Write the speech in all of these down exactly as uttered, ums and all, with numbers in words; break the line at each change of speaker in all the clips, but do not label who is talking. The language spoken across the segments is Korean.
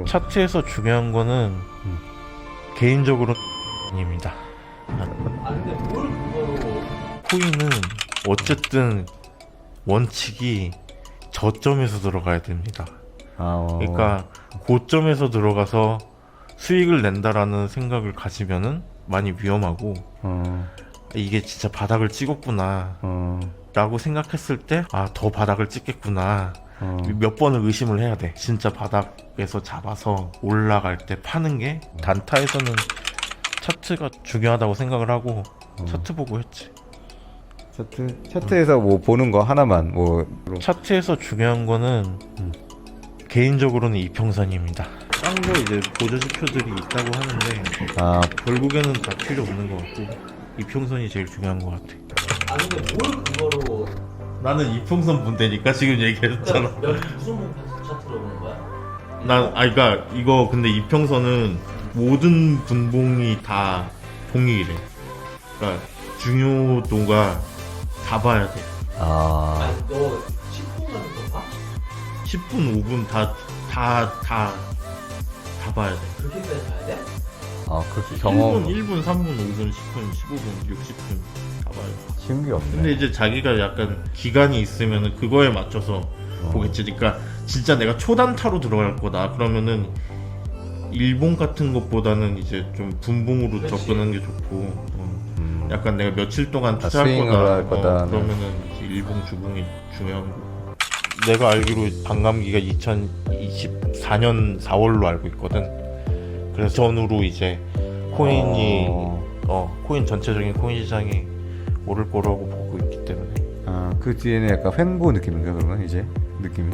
차트에서 중요한 거는
음.
개인적으로 입니다.
아 근데 뭘 그거로
코인은 어쨌든 원칙이 저점에서 들어가야 됩니다.
아, 어.
그러니까 고점에서 들어가서 수익을 낸다라는 생각을 가지면은 많이 위험하고,
어,
이게 진짜 바닥을 찍었구나
어,
라고 생각했을 때 아 더 바닥을 찍겠구나
어.
몇 번을 의심을 해야 돼. 진짜 바닥에서 잡아서 올라갈 때 파는 게, 단타에서는 차트가 중요하다고 생각을 하고
어.
차트 보고 했지.
차트 차트에서 뭐 보는 거 하나만 뭐
차트에서 중요한 거는
음.
개인적으로는 이평선입니다. 딴 거 이제 보조지표들이 있다고 하는데
아,
결국에는 다 필요 없는 것 같고 이평선이 제일 중요한 것 같아.
아 근데 뭘 그거로
나는 이평선 본대니까 지금 얘기했잖아.
몇 무슨 분 차트로 보는 거야?
난 아 그러니까 이거 근데 이평선은 모든 분봉이 다 동일해. 그러니까 중요도가 다 봐야 돼.
아,
아니 너 십 분 같은 거 봐?
십 분, 오 분 다 다 다 다 봐야 돼.
그렇게까지 봐야 돼?
아 그렇게 경험
일 분, 일 분, 삼 분, 오 분, 십 분, 십오 분, 육십 분 다 봐야 돼.
쉬운 게 없네.
근데 이제 자기가 약간 기간이 있으면은 그거에 맞춰서
어.
보겠지. 그러니까 진짜 내가 초단타로 들어갈 거다 그러면은 일본 같은 것보다는 이제 좀 분봉으로
그치.
접근하는 게 좋고, 어.
음.
약간 내가 며칠 동안
아,
투자할
스윙을
거다,
할 거다.
어, 그러면은 이제 일본 주봉이 중요한 거. 내가 알기로 반감기가 이천이십사 년 사월로 알고 있거든. 그래서 전후로 이제 코인이
어.
어 코인 전체적인 코인 시장이 오를 거라고 보고 있기 때문에.
아, 그 뒤에는 약간 횡보 느낌인가 그러면 이제 느낌이.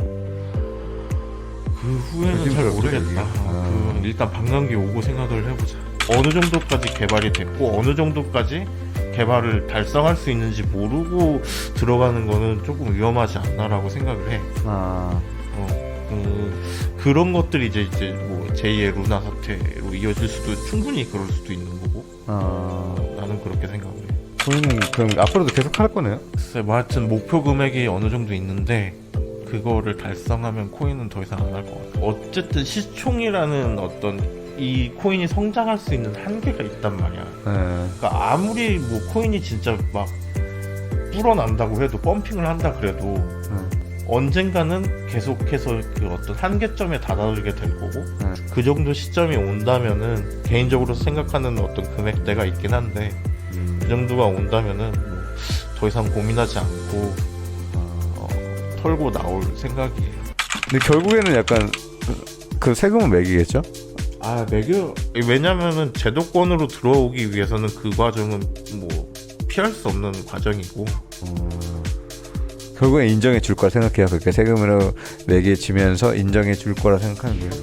그 후에는
요즘
잘
그렇죠,
모르겠다.
이게.
어,
아.
그 일단 반감기 오고 생각을 해보자. 어느 정도까지 개발이 됐고 어느 정도까지 개발을 달성할 수 있는지 모르고 들어가는 거는 조금 위험하지 않나라고 생각을 해.
아,
어, 그, 그런 것들이 이제 이제 뭐 제이의 루나 사태로 이어질 수도, 충분히 그럴 수도 있는 거고.
아,
나는 그렇게 생각을 해.
코인은 그럼 앞으로도 계속 할 거네요?
글쎄, 뭐 하여튼 목표 금액이 어느 정도 있는데 그거를 달성하면 코인은 더 이상 안 할 것 같아. 어쨌든 시총이라는 어떤 이 코인이 성장할 수 있는 한계가 있단 말이야.
네.
그러니까 아무리 뭐 코인이 진짜 막 불어난다고 해도, 펌핑을 한다 그래도
네.
언젠가는 계속해서 그 어떤 한계점에 다다르게 될 거고,
네.
그 정도 시점이 온다면은 개인적으로 생각하는 어떤 금액대가 있긴 한데
음.
그 정도가 온다면은 뭐 더 이상 고민하지 않고 어, 털고 나올 생각이에요.
근데 결국에는 약간 그- 그 세금은 매기겠죠?
아, 매겨. 왜냐면은 제도권으로 들어오기 위해서는 그 과정은 뭐 피할 수 없는 과정이고.
어, 결국엔 인정해 줄 거라 생각해요. 그렇게 세금으로 매겨지면서 인정해 줄 거라 생각하는 거예요.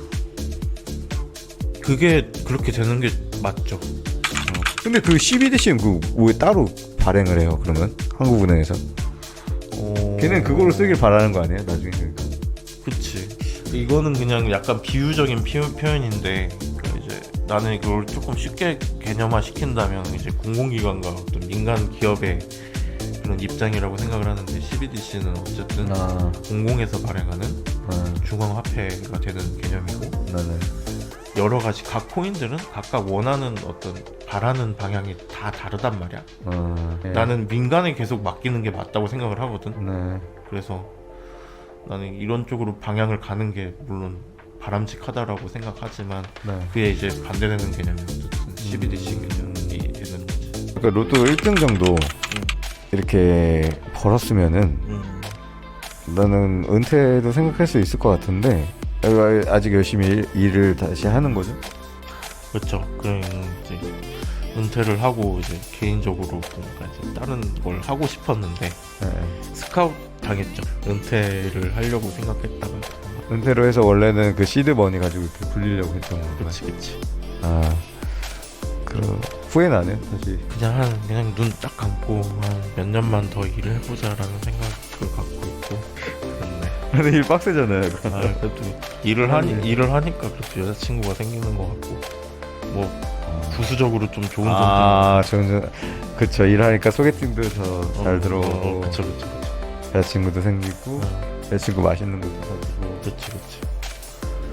그게 그렇게 되는 게 맞죠.
근데 그 씨비디씨는 그 왜 따로 발행을 해요? 그러면 한국은행에서
어...
걔는 그걸로 쓰길 바라는 거 아니에요? 나중에 그러니까.
그치. 이거는 그냥 약간 비유적인 피, 표현인데 그 이제 나는 이걸 조금 쉽게 개념화 시킨다면 이제 공공기관과 어떤 민간 기업의 그런 입장이라고 생각을 하는데, 씨비디씨는 어쨌든
아,
공공에서 발행하는
아,
중앙화폐가 되는 개념이고,
나는
여러 가지 각 코인들은 각각 원하는 어떤 바라는 방향이 다 다르단 말이야.
어, 예.
나는 민간에 계속 맡기는 게 맞다고 생각을 하거든.
네.
그래서 나는 이런 쪽으로 방향을 가는 게 물론 바람직하다라고 생각하지만
네.
그에 이제 반대되는 개념이 어쨌든 씨비디씨 개념이 되는 거지.
그러니까 로또 일 등 정도 이렇게 벌었으면은
음.
나는 은퇴도 생각할 수 있을 것 같은데 아직 열심히 일, 일을 다시 하는 거죠?
그렇죠. 그럼 이제 은퇴를 하고 이제 개인적으로 뭔가 이제 다른 걸 하고 싶었는데
네.
스카웃 당했죠. 은퇴를 하려고 생각했다가.
은퇴로 해서 원래는 그 시드 머니 가지고 이렇게 굴리려고 했던 건가요?
그렇지, 그렇지.
아, 그 후회 나네 사실.
그냥 한 그냥 눈 딱 감고 한 몇 년만 더 일을 해보자라는 생각을 갖고 있고 그렇네.
근데 일 빡세잖아요.
아, 그래도 일을 하니 일을 하니까 그래도 여자친구가 생기는 것 같고 뭐 부수적으로 좀 좋은 점도.
아, 좋은 그쵸. 일하니까 소개팅도 더 잘
어,
들어오고
어, 그쵸, 그쵸, 그쵸.
여자친구도 생기고
어,
여자친구 맛있는 것도 사주고.
그치, 그치.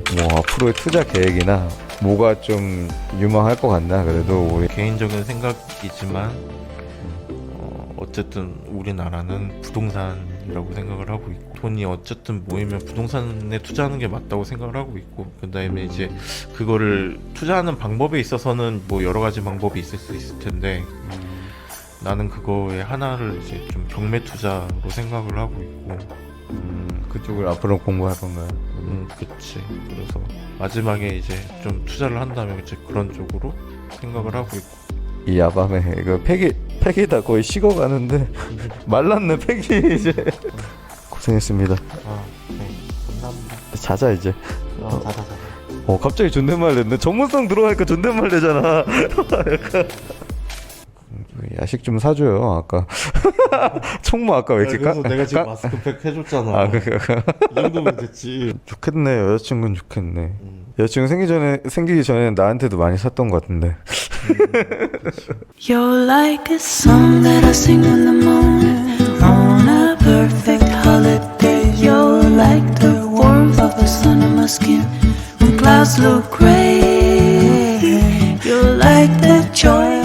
뭐 앞으로의 투자 계획이나 뭐가 좀 유망할 것 같나? 그래도 우리
개인적인 생각이지만 어, 어쨌든 우리나라는 부동산이라고 생각을 하고 있고 돈이 어쨌든 모이면 부동산에 투자하는 게 맞다고 생각을 하고 있고 그 다음에 이제 그거를 투자하는 방법에 있어서는 뭐 여러 가지 방법이 있을 수 있을 텐데 나는 그거에 하나를 이제 좀 경매 투자로 생각을 하고 있고
음, 그쪽을 앞으로 공부할 건가요?
음 그치 그래서 마지막에 이제 좀 투자를 한다면 이제 그런 쪽으로 생각을 하고 있고
이 야밤에 그 팩이 팩이 다 거의 식어가는데 말랐네 팩이 이제 고생했습니다.
아네 감사합니다
자자 이제.
아 자자 자자
어 갑자기 존댓말 냈네. 전문성 들어가니까 존댓말 되잖아. 약간 야식 좀 사줘요. 아까 총무 아까 왜 이렇게
그래서
까-
내가 지금
까-
마스크팩 해줬잖아
아 그, 그, 그.
이 정도면 됐지
좋겠네. 여자친구는 좋겠네.
음.
여자친구 생기 전에 생기기 전에 나한테도 많이 샀던 것 같은데.
You're like a song that I sing when the moon on a perfect holiday. You're like the warmth of the sun on my skin when clouds look gray. You're like the joy